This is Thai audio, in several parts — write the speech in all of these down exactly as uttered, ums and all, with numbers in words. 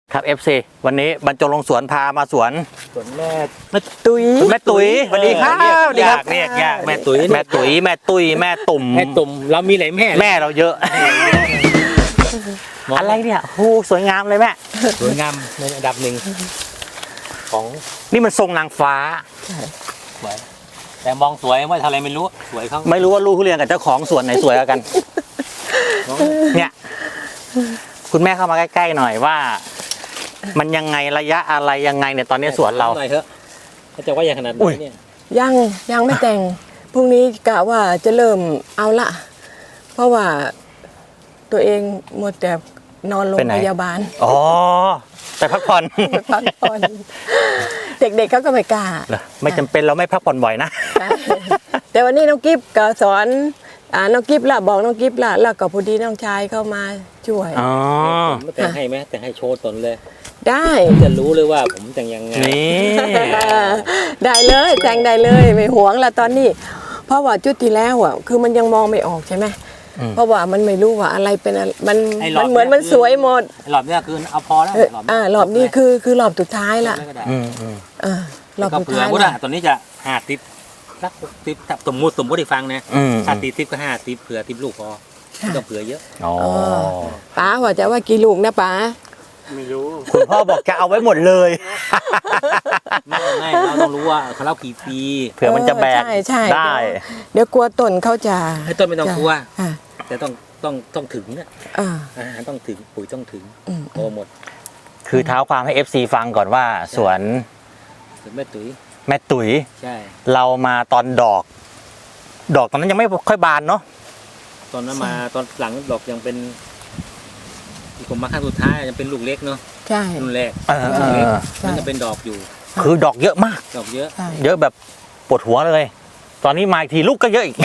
ครับ เอฟ ซี วันนี้บรรจงลงสวนพามาสวนสวนแม่แม่ตุ้ยแม่ตุ้ยสวัสดีครับสวัสดีครับเรียกยากแม่ตุ้ยแม่ตุ้ยแม่ตุ้ยแม่ตุ่มแม่ตุ่มเรามีหลายแม่แม่เราเยอะอะไรเนี่ยโอ้สวยงามเลยแม่สวยงามในอันดับหนึ่งของนี่มันทรงนางฟ้าสวยแต่มองสวยว่าทำอะไรไม่รู้สวยเขาไม่รู้ว่าลูกทุเรียนกับเจ้าของสวนไหนสวยกว่ากันเนี่ยคุณแม่เข้ามาใกล้ๆหน่อยว่ามันยังไงระยะอะไรยังไงเนี่ยตอนนี้สวนเราหน่อยเถอะเขาจะว่าอย่างขนาดนี้เนี่ยยังยังไม่แต่งพรุ่งนี้กะว่าจะเริ่มเอาละเพราะว่าตัวเองหมดแต่นอนโรงพยาบาลอ๋อไปพักผ่อนไปพักผ่อนเด็กๆเขาก็ไม่กล้าไม่จำเป็นเราไม่พักผ่อนบ่อยนะแต่วันนี้น้องกิฟก็สอนอ่าน้องกิฟละบอกน้องกิฟละแล้วก็พอดีน้องชายเข้ามาช่วยอ๋อแต่งให้ไหมแต่งให้โชว์ตนเลยได้จะรู้เลยว่าผมแต่งยังไงนี่ได้เลยแต่งได้เลยไม่หวงละตอนนี้เพราะว่าจุดที่แล้วอ่ะคือมันยังมองไม่ออกใช่ไหมเพราะว่ามันไม่รู้ว่าอะไรเป็นมันมันเหมือนมันสวยหมดหลอบนี้คือเอาพอแล้วอ่าหลอบนี้คือคือหลอบสุดท้ายละอืมอืมอ่าหลอบสุดท้ายละตอนนี้จะห้าติปสักติปสมมุติสมมติให้ฟังนะถ้าตีติปก็ห้าติปเผื่อติปลูกพอต้องเผื่อเยอะอ๋อป้าว่าจะว่ากี่ลูกนะป้าไม่รู้คุณพ่อบอกจะเอาไว้หมดเลยไม่ไม่เราต้องรู้ว่าเขาเล่ากี่ปีเผื่อมันจะแบกได้เดี๋ยวกลัวต้นเขาจะให้ต้นไม่ต้องกลัวแต่ต้องต้องต้องถึงเนี่ยอาหารต้องถึงปุ๋ยต้องถึงโอ้หมดคือเท้าความให้ เอฟ ซี ฟังก่อนว่าสวนแม่ตุ๋ยแม่ตุ๋ยใช่เรามาตอนดอกดอกตอนนั้นยังไม่ค่อยบานเนาะตอนนั้นมาตอนหลังดอกยังเป็นอีกผมมาขั้นสุดท้ายยังเป็นลูกเล็กเนาะใช่รุ่นแรกมันจะเป็นดอกอยู่คือดอกเยอะมากดอกเยอะเยอะแบบปวดหัวเลยตอนนี้มาอีกทีลูกก็เยอะอีก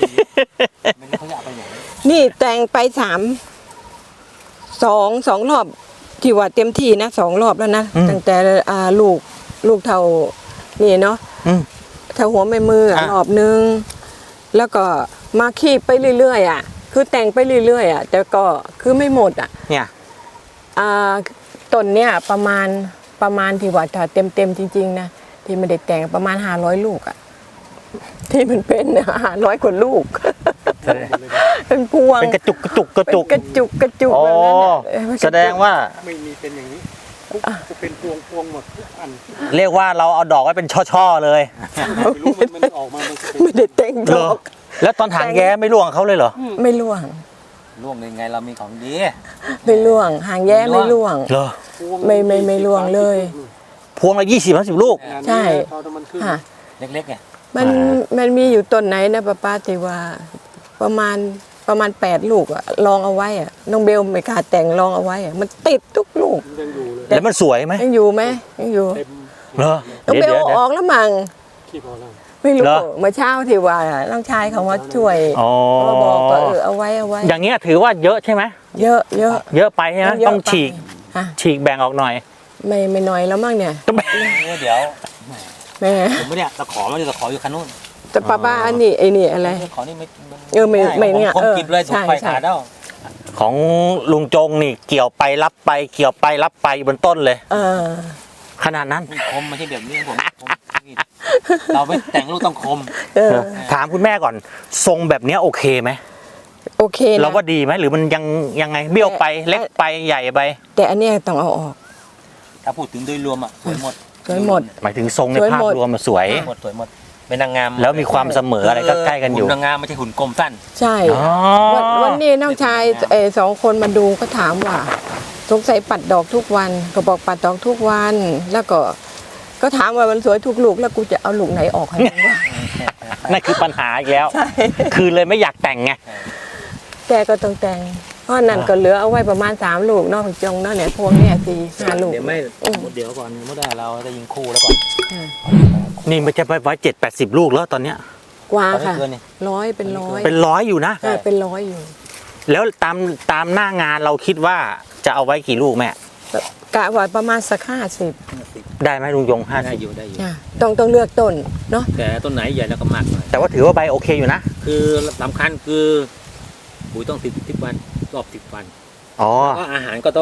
นี่แต่งไปสามสองสองรอบที่ว่าเต็มที่นะสองรอบแล้วนะตั้งแต่อ่าลูกลูกเท่านี่เนาะเท่าหัวแม่มือรอบนึงแล้วก็มาคีบไปเรื่อยๆอ่ะคือแต่งไปเรื่อยๆอ่ะแต่ก็คือไม่หมดอ่ะเนี่ยอ่าต้นเนี้ยประมาณประมาณที่ว่าถ้าเต็มเต็มจริงๆนะที่ไม่ได้แต่งประมาณห้าร้อยลูกอ่ะที่มันเป็นห้าร้อยกว่าลูกเป็นพวงเป็นกระจุกกระจุกกระจุกกระจุกกระจุกแบบนั้นแสดงว่าไม่มีเป็นอย่างนี้จะเป็นพวงพวงหมดทุกอันเรียกว่าเราเอาดอกไว้เป็นช่อๆเลยไม่รู้มันออกมาไม่ได้แต่งดอกแล้วตอนถางแย้ไม่ร่วงเขาเลยเหรอไม่ร่วงร่วงยังไงเรามีของดีไม่ร่วงหางแย้ไม่ร่วงเหรอไม่ไม่ไม่ร่วงเลยพวงละยี่สิบห้าสิบลูกใช่ค่ะเล็กๆไงมันมันมีอยู่ต้นไหนนะป้าป้าที่ว่าประมาณประมาณแปดลูกอะลองเอาไว้อะน้องเบลไม่กล้าแต่งลองเอาไว้อะมันติดทุกลูกแล้วมันสวยไหมยังอยู่ไหมยังอยู่เหรอน้องเบลออกแล้วมั้งไม่รู้เมื่อเช้าที่ว่าน้องชายเขามาช่วยบอกว่าเออเอาไว้เอาไว้อย่างเงี้ยถือว่าเยอะใช่ไหมเยอะเยอะเยอะไปใช่ไหมต้องฉีกฉีกแบ่งออกหน่อยไม่ไม่น้อยแล้วมั้งเนี่ยเดี๋ยวแม่ผมไม่เนี่ยตะขอมันจะตะขออยู่คันนู้นแต่ป้าป้าอันนี้ไอ้นี่อะไรขอนี่ไม่เออไม่ไม่เนี่ยผมกินเลยถูกไฟขาดแล้วของลุงจงนี่เกี่ยวไปรับไปเกี่ยวไปรับไปบนต้นเลยเออขนาดนั้นคมไม่ใช่แบบนี้ผมเราไม่แต่งลูกต้องคมถามคุณแม่ก่อนทรงแบบนี้โอเคไหมโอเคเราว่าดีไหมหรือมันยังยังไงเบี้ยวไปเล็กไปใหญ่ไปแต่อันนี้ต้องเอาออกถ้าพูดถึงโดยรวมอ่ะสวยหมดสวยหมดหมายถึงทรงในภาพรวมมันสวยหมดสวยหมดเป็นนางงามแล้วมีความเสมออะไรก็ใกล้กันอยู่นางงามไม่ใช่หุ่นกลมสั้นใช่วันนี้น้องชายเออสองคนมาดูก็ถามว่าสงสัยปัดดอกทุกวันก็บอกปัดดอกทุกวันแล้วก็ก็ถามว่ามันสวยทุกลูกแล้วกูจะเอาลูกไหนออกให้มึงว่านั่นคือปัญหาอีกแล้วคือเลยไม่อยากแต่งไงแกก็ต้องแต่งเพราะนั่นก็เหลือเอาไว้ประมาณสามลูกนอกจงนั่นเนี่ยพวงเนี่ยสี่ห้าลูกเดี๋ยวไม่เดี๋ยวก่อนเมื่อได้เราจะยิงคู่แล้วก่อนนี่มันจะไปไว้เจ็ดแปดสิบลูกแล้วตอนเนี้ยกว่าค่ะร้อยเป็นร้อยเป็นร้อยอยู่นะเป็นร้อยอยู่แล้วตามตามหน้างานเราคิดว่าจะเอาไว้กี่ลูกแม่กะว่าประมาณสักห้าสิบได้ไหมลุงยงห้าสิบอยู่ได้อยู่ต้องต้องเลือกต้นเนาะแต่ต้นไหนใหญ่แล้วก็มากหน่อยแต่ว่าถือว่าใบโอเคอยู่นะคือสำคัญคือปุ๋ยต้องติดสิบวันรอบสิบวันอ๋อก็อาหารก็ต้องที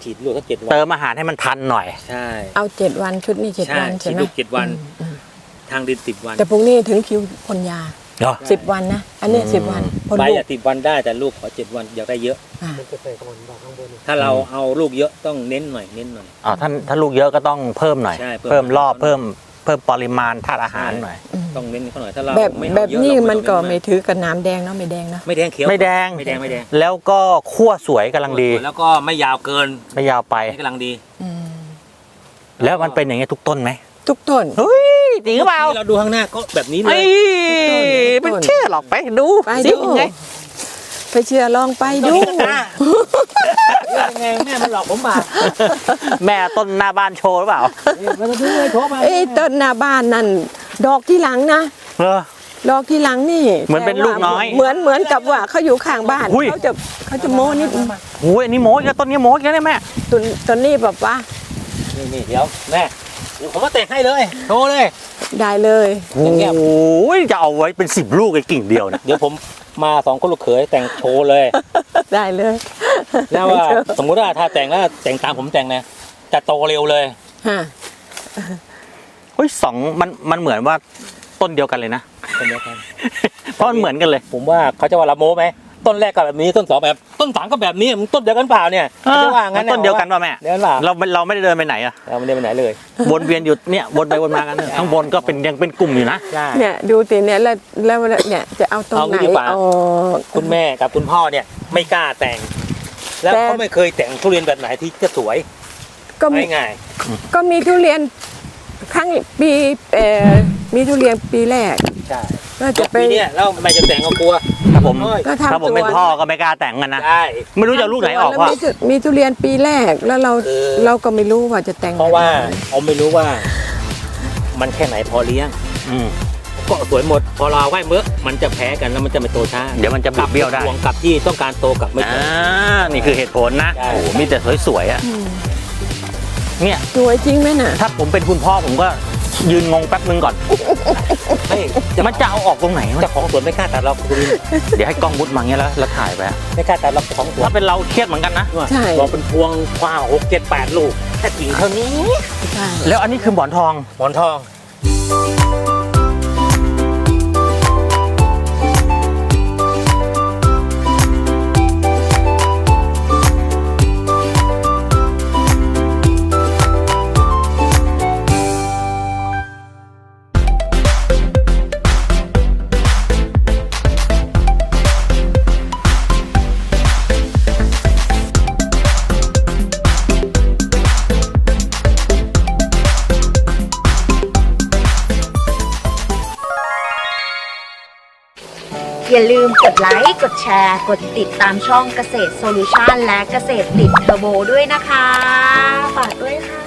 ฉีดลูกตั้งเจ็ดวันเติมอาหารให้มันทันหน่อยใช่เอาเจ็ดวันชุดนี้เจ็ดใช่วันใช่ฉีดไหมลูกเจ็ดวันอืมอืมทางดินสิบวันแต่พวกนี้ถึงคิวพ่นยาเหรอสิบวันนะอันนี้อืมสิบวันพ่นใบลูกอะสิบวันได้แต่ลูกขอเจ็ดวันอยากได้เยอะอ่าถ้าเราเอาลูกเยอะต้องเน้นหน่อยเน้นหน่อยอ๋อถ้าถ้าลูกเยอะก็ต้องเพิ่มหน่อยใช่เพิ่มเพิ่มรอบเพิ่มเพิ่มปริมาณธาตุอาหารหน่อยต้องเน้นเขาหน่อยถ้าเราแบบไม่เอาแบบเยอะนี้เรามันก็ต้องไม่เน้นถือกับน้ำแดงเนาะไม่แดงเนาะไม่แดงเขียวไม่แดงไม่แดงไม่แดงแล้วก็คั่วสวยกำลังดีแล้วก็ไม่ยาวเกินไม่ยาวไปไม่กำลังดีอืมแล้วมันเป็นอย่างเงี้ยทุกต้นไหมทุกต้นเฮ้ยจริงหรือเปล่าที่เราดูข้างหน้าก็แบบนี้เลไอ้ยไม่เชื่อหรอกไปดูไปสิดูไงไปเชื่อลองไปดูยังไงแม่มันหลอกผมบ่าแม่ต้นหน้าบ้านโชว์หรือเปล่าเราจะดูเลยโทรมาเอ้ยต้นหน้าบ้านนั่นดอกที่หลังนะเหรอดอกที่หลังนี่เหมือนเป็นลูกน้อยเหมือนเหมือนกับว่าเขาอยู่ข้างบ้านหุ้ยเขาจะเขาจะโม้นิดโอ้ยอันนี้โม้อีกแล้วต้นนี้โม้อีกแล้วเนี่ยแม่ต้นต้นนี้แบบว่านี่นี่เดี๋ยวแม่เดี๋ยวผมมาแต่งให้เลยโทรเลยได้เลยโอ้ยจะเอาไว้เป็นสิบลูกไอ้กิ่งเดียวนะเดี๋ยวผมมาสองคนลูกเขยแต่งโชว์เลยได้เลยแล้วว่าสมมุติว่าถ้าแต่งแล้วแต่งตามผมแต่งนะจะโตเร็วเลยฮะเฮ้ยสองมันมันเหมือนว่าต้นเดียวกันเลยนะเป็นเดียวกันเพราะมันเหมือนกันเลยผมว่าเขาจะว่าละโมไหมต้นแรกก็แบบนี้ต้นสองแบบต้นสามก็แบบนี้มันต้นเดียวกันเปล่าเนี่ยเขาจะว่างั้นต้นเดียวกันป่ะแม่เดียวกันเปล่าเราเราไม่ได้เดินไปไหนอะเราไม่ได้ไปไหนเลยวนเวียนอยู่เนี่ยวนไปวนมากันเนี่ยข้างบนก็เป็นยังเป็นกลุ่มอยู่นะใช่เนี่ยดูติเนี่ยแล้วแล้วเนี่ยจะเอาตรงเอาไหนงี้ดีกว่าอ๋อคุณแม่กับคุณพ่อเนี่ยไม่กล้าแต่ง แล้วแต่เขาไม่เคยแต่งทุเรียนแบบไหนที่จะสวยก็มีง่ายก็มีทุเรียนครั้งปีเอ่อมีทุเรียนปีแรกๆใช่แล้วจะไปปีเนี้ยแล้วไม่จะแต่งก็กลัวถ้าผมโอ้ยก็ถ้าทำผมเป็นสวนพ่อก็ไม่กล้าแต่งกันนะใช่ไม่รู้จะเอาลูกไหนออกแล้วพ่อมีทุมีทุเรียนปีแรกแล้วเราคือเราก็ไม่รู้ว่าจะแต่งเพราะว่าแบบไหนเขาไม่รู้ว่า มันแค่ไหนพอเลี้ยงอืมก็สวยหมด พอเราไหว้เมื่อมันจะแพ้กันแล้วมันจะไม่โตช้าเดี๋ยวมันจะบิดเบี้ยวได้ห่วงกับที่ต้องการโตกับไม่โตอ่านี่คือเหตุผลนะใช่โอ้โหมีแต่สวยๆอ่ะอืมเนี่ยสวยจริงไหมน่ะถ้าผมเป็นคุณพ่อผมก็ยืนงงแป๊บนึงก่อนไม่มันจะเอาออกตรงไหนวะเจ้าของสวนไม่กล้าตัดเราคุณเดี๋ยวให้กล้องมุดมาอย่างเงี้ยแล้วแล้วถ่ายไปอะไม่กล้าตัดเราเจ้าของสวนถ้าเป็นเราเครียดเหมือนกันนะใช่บอกเป็นพวงกว้างหกเจ็ดแปดลูกแค่กิ่งเท่านี้ใช่แล้วอันนี้คือหมอนทองหมอนทองอย่าลืมกดไลค์ กดแชร์ กดติดตามช่องเกษตรโซลูชันและเกษตรติดเทอร์โบด้วยนะคะ ฝากด้วยค่ะ